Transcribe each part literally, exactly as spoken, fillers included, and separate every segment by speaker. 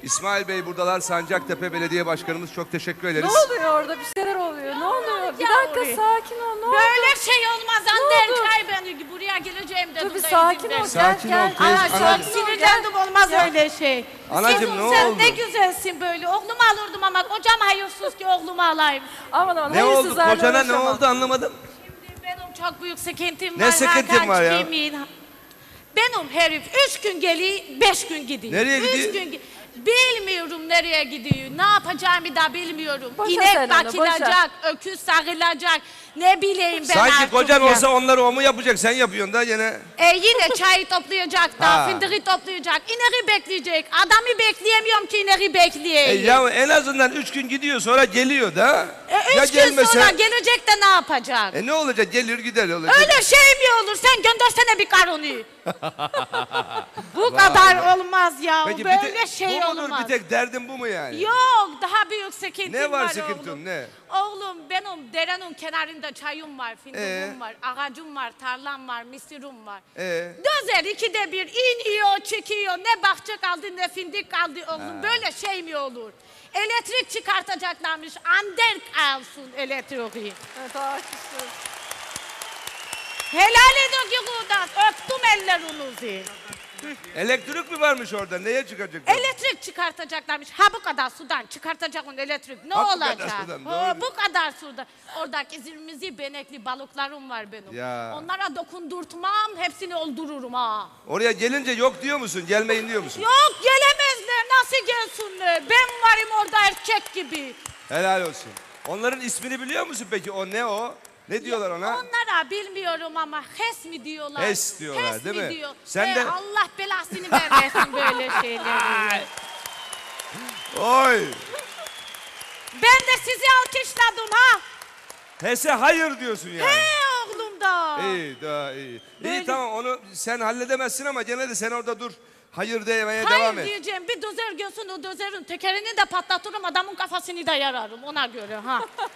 Speaker 1: İsmail Bey buradalar. Sancaktepe Belediye Başkanımız, çok teşekkür ederiz.
Speaker 2: Ne oluyor orada? Bir şeyler oluyor. Ne oluyor? Bir dakika sakin ol. Ne oldu?
Speaker 3: Böyle şey olmaz Anderkay, ben buraya geleceğim dedim.
Speaker 2: Dur bir sakin ol. Gel
Speaker 1: Sakin
Speaker 2: gel.
Speaker 1: ol teyze,
Speaker 3: Ana
Speaker 1: anacığım.
Speaker 3: çok sinirlendim, olmaz öyle şey.
Speaker 1: Anacığım,
Speaker 3: Kızım,
Speaker 1: ne
Speaker 3: sen
Speaker 1: oldu?
Speaker 3: ne güzelsin böyle. Oğlumu alırdım ama kocam hayırsız ki oğlumu alayım.
Speaker 2: Aman aman.
Speaker 1: Ne oldu?
Speaker 2: hayırsızlarla
Speaker 1: Kocana ne
Speaker 2: uğraşamam.
Speaker 1: oldu anlamadım.
Speaker 3: Şimdi benim çok büyük sıkıntım
Speaker 1: Ne
Speaker 3: var.
Speaker 1: sıkıntın
Speaker 3: Hakan
Speaker 1: var ya?
Speaker 3: Kimin? Benim herif üç gün geliyor, beş gün gidiyor.
Speaker 1: Nereye
Speaker 3: üç
Speaker 1: gidiyor?
Speaker 3: Gün, gi- bilmiyorum nereye gidiyor. Ne yapacağımı da bilmiyorum.
Speaker 2: Boşa
Speaker 3: İnek
Speaker 2: sen onu,
Speaker 3: bakılacak, öküz sağılacak. Ne bileyim ben
Speaker 1: Sanki
Speaker 3: artık
Speaker 1: kocan
Speaker 3: ya.
Speaker 1: olsa onları o mu yapacak? Sen yapıyorsun da yine.
Speaker 3: E yine çayı toplayacak da,
Speaker 1: Ha.
Speaker 3: fındığı toplayacak, ineği bekleyecek. Adamı bekleyemiyorum ki ineği
Speaker 1: E
Speaker 3: bekleyeyim.
Speaker 1: ya en azından üç gün gidiyor, sonra geliyor da.
Speaker 3: E,
Speaker 1: Ya
Speaker 3: üç gün
Speaker 1: gelmese-
Speaker 3: sonra gelecek de ne yapacak?
Speaker 1: E ne olacak? Gelir gider olacak.
Speaker 3: Öyle şey mi olur? Sen göndersene bir karını. Bu kadar olmaz ya.
Speaker 1: Peki bir
Speaker 3: Böyle
Speaker 1: tek,
Speaker 3: şey
Speaker 1: bu mudur
Speaker 3: olmaz.
Speaker 1: bir tek derdin bu mu yani?
Speaker 3: Yok, daha büyük sıkıntım
Speaker 1: Ne var
Speaker 3: var
Speaker 1: sıkıntın,
Speaker 3: oğlum.
Speaker 1: ne?
Speaker 3: Oğlum benim derenin kenarında çayım var, fındığım
Speaker 1: Ee?
Speaker 3: var, ağacım var, tarlam var, mısırım var.
Speaker 1: Ee?
Speaker 3: Dozer ikide bir iniyor, çıkıyor. Ne bahçe kaldı ne fındık kaldı oğlum. Böyle şey mi olur? Elektrik çıkartacaklarmış. Anderk alsın elektriği.
Speaker 2: Evet haklısın.
Speaker 3: Helal edin ki Kudas. Öptüm ellerinizi.
Speaker 1: Elektrik mi varmış orada? Neye çıkacak?
Speaker 3: Elektrik çıkartacaklarmış. Ha bu kadar sudan çıkartacak onun elektrik. Ne
Speaker 1: Ha, bu
Speaker 3: olacak?
Speaker 1: kadar sudan,
Speaker 3: Ha,
Speaker 1: doğru.
Speaker 3: bu kadar sudan. Oradaki zirmizi benekli balıklarım var benim.
Speaker 1: Ya.
Speaker 3: Onlara dokundurtmam, hepsini öldürürüm ha.
Speaker 1: Oraya gelince yok diyor musun? Gelmeyin diyor musun?
Speaker 3: Yok gelemezler, nasıl gelsinler? Ben varım orada erkek gibi.
Speaker 1: Helal olsun. Onların ismini biliyor musun peki? O ne o? Ne diyorlar ona?
Speaker 3: Onlara bilmiyorum ama hes mi diyorlar?
Speaker 1: Hes diyorlar,
Speaker 3: Hes
Speaker 1: değil mi?
Speaker 3: Diyor.
Speaker 1: Sen
Speaker 3: Ee,
Speaker 1: de-
Speaker 3: Allah belasını vermesin böyle şeyleri.
Speaker 1: Oy!
Speaker 3: Ben de sizi alkışladım ha.
Speaker 1: Hese hayır diyorsun yani.
Speaker 3: He oğlum da.
Speaker 1: İyi, daha iyi.
Speaker 3: Böyle-
Speaker 1: İyi tamam, onu sen halledemezsin ama gene de sen orada dur. Hayır demeye
Speaker 3: Hayır
Speaker 1: devam et.
Speaker 3: diyeceğim, bir dozer görsün, o dozerin tekerini de patlatırım, adamın kafasını da yararım ona göre ha.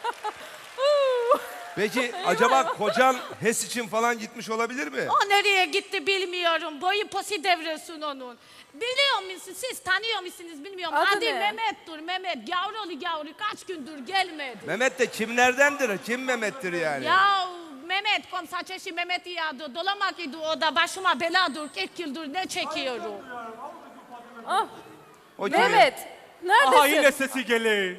Speaker 1: Peki acaba kocan H E S için falan gitmiş olabilir mi?
Speaker 3: O nereye gitti bilmiyorum, boyu posi devresin onun. Biliyor musunuz, siz tanıyor musunuz bilmiyorum.
Speaker 2: Adı
Speaker 3: Adı
Speaker 2: ne?
Speaker 3: Mehmet'tir, Mehmet. Yavrulu yavru kaç gündür gelmedi.
Speaker 1: Mehmet de kimlerdendir? Kim Mehmet'tir yani?
Speaker 3: Ya Mehmet, komsaçeşi Mehmet iyadı, dolamak idi o da başıma beladır, kırk yıldır ne çekiyorum.
Speaker 2: Ah,
Speaker 1: O kim?
Speaker 2: Mehmet. Neredesin?
Speaker 4: Aha yine sesi geliyor.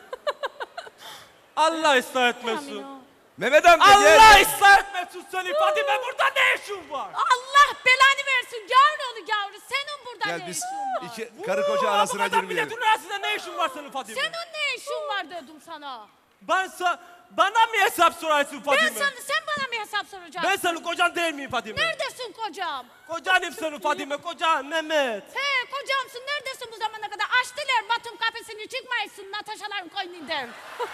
Speaker 4: Allah ıslah etmesin.
Speaker 1: Mehmet amca
Speaker 4: Allah
Speaker 1: gel.
Speaker 4: ıslah etmesin seni Fadime, burada ne işin var?
Speaker 3: Allah belanı versin yavrulu yavru, senin burada
Speaker 1: Gel
Speaker 3: ne
Speaker 1: biz
Speaker 3: işin var?
Speaker 1: iki karı koca
Speaker 4: Aa,
Speaker 1: arasına
Speaker 4: bu kadar
Speaker 1: girmeyelim.
Speaker 4: milletin arasında ne işin var senin Fadime?
Speaker 3: Senin ne işin var dedim sana.
Speaker 4: Ben sa bana mı hesap sorarsın Fadime?
Speaker 3: Ben sana, sen bana mı hesap soracaksın?
Speaker 4: Ben senin kocan değil miyim Fadime?
Speaker 3: Neredesin kocam?
Speaker 4: Kocanım senin Fadime, kocan Mehmet.
Speaker 3: He kocamsın, neredesin bu zamana kadar? Açtılar Batum kapısını, çıkmayısın Nataşaların koynundan.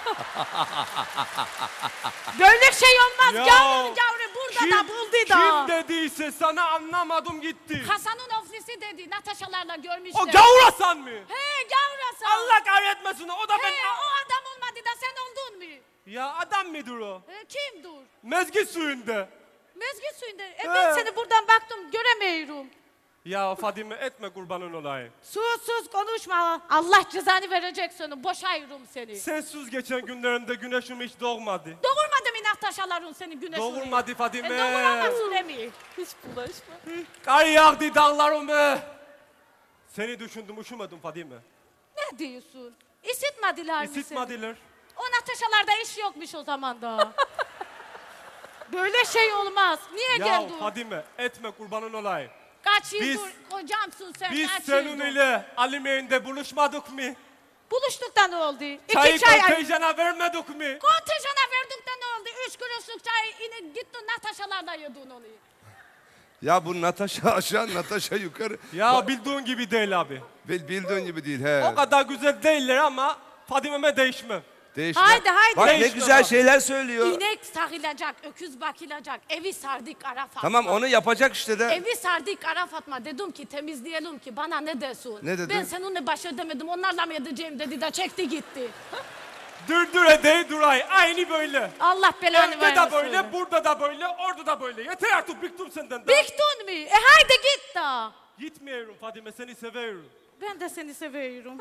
Speaker 3: Böyle şey olmaz
Speaker 4: Ya,
Speaker 3: yavru yavru, burada da buldu da.
Speaker 4: Kim dediyse sana anlamadım gitti.
Speaker 3: Hasan'ın ofisi dedi, Nataşalarla görmüşler.
Speaker 4: O gavur Hasan mı?
Speaker 3: He gavur Hasan.
Speaker 4: Allah kahretmesin, o da
Speaker 3: He
Speaker 4: ben...
Speaker 3: o adam olmadı da sen oldun mu?
Speaker 4: Ya adam mıdır o?
Speaker 3: He, kim dur?
Speaker 4: Mezgit suyunda.
Speaker 3: Mezgit suyunda. E ben
Speaker 4: He.
Speaker 3: seni buradan baktım göremiyorum.
Speaker 4: Ya Fadime etme kurbanın olayım.
Speaker 3: Sus sus konuşma. Allah cezanı verecek sana. Boşayırım seni.
Speaker 4: Sensiz geçen günlerimde güneşim hiç doğmadı.
Speaker 3: Doğurmadı mı Nataşaların seni güneşini?
Speaker 4: Doğurmadı Fadime.
Speaker 3: E doğuramazsın emi.
Speaker 2: Hiç bulaşma.
Speaker 4: Kar yağdı dağlarıma. Seni düşündüm, üşümedim Fadime.
Speaker 3: Ne diyorsun? İsitmediler mi seni?
Speaker 4: İsitmediler.
Speaker 3: O Nataşalarda iş yokmuş o zaman da. Böyle şey olmaz. Niye
Speaker 4: Ya
Speaker 3: geldin?
Speaker 4: Fadime etme kurbanın olayım.
Speaker 3: Kaç yıldır
Speaker 4: Biz-
Speaker 3: kocamsın sen,
Speaker 4: Biz
Speaker 3: kaç
Speaker 4: senin
Speaker 3: yıldır?
Speaker 4: ile Alimeğin'de buluşmadık mı?
Speaker 3: Buluştuk da ne oldu? İki
Speaker 4: Çayı
Speaker 3: çay...
Speaker 4: kontenjana vermedik mi?
Speaker 3: Kontenjana verdik de ne oldu? Üç kuruşluk çay yine gittin Nataşalarla yedin onu.
Speaker 1: Ya bu Natasha aşağı, Natasha yukarı.
Speaker 4: Ya bildiğin gibi değil abi.
Speaker 1: Bil- Bildiğin gibi değil he.
Speaker 4: O kadar güzel değiller ama Fadime'me değişmem.
Speaker 1: Değişme.
Speaker 3: Haydi, haydi.
Speaker 1: Bak ne
Speaker 4: Değişme
Speaker 1: güzel
Speaker 4: bak.
Speaker 1: şeyler söylüyor.
Speaker 3: İnek sarılacak, öküz bakılacak, evi sardık ara Fatma.
Speaker 1: Tamam onu yapacak işte de.
Speaker 3: Evi sardık ara Fatma, dedim ki temizleyelim ki bana ne desin?
Speaker 1: Ne dedi?
Speaker 3: Ben seninle baş edemedim, onlarla mı edeceğim dedi de çekti gitti.
Speaker 4: Dur dur edey duray aynı böyle.
Speaker 3: Allah belanı
Speaker 4: Evde
Speaker 3: vermesin.
Speaker 4: de böyle, burada da böyle, orada da böyle. Yeter artık bıktım senden. da.
Speaker 3: Bıktın mı? E haydi git da.
Speaker 4: Gitmiyorum Fadime, seni seviyorum.
Speaker 3: Ben de seni seviyorum.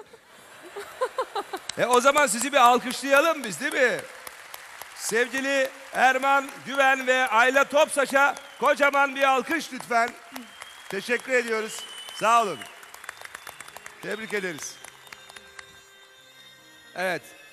Speaker 1: E o zaman sizi bir alkışlayalım biz değil mi? Sevgili Erman Güven ve Ayla Topsaç'a kocaman bir alkış lütfen. Teşekkür ediyoruz. Sağ olun. Tebrik ederiz. Evet.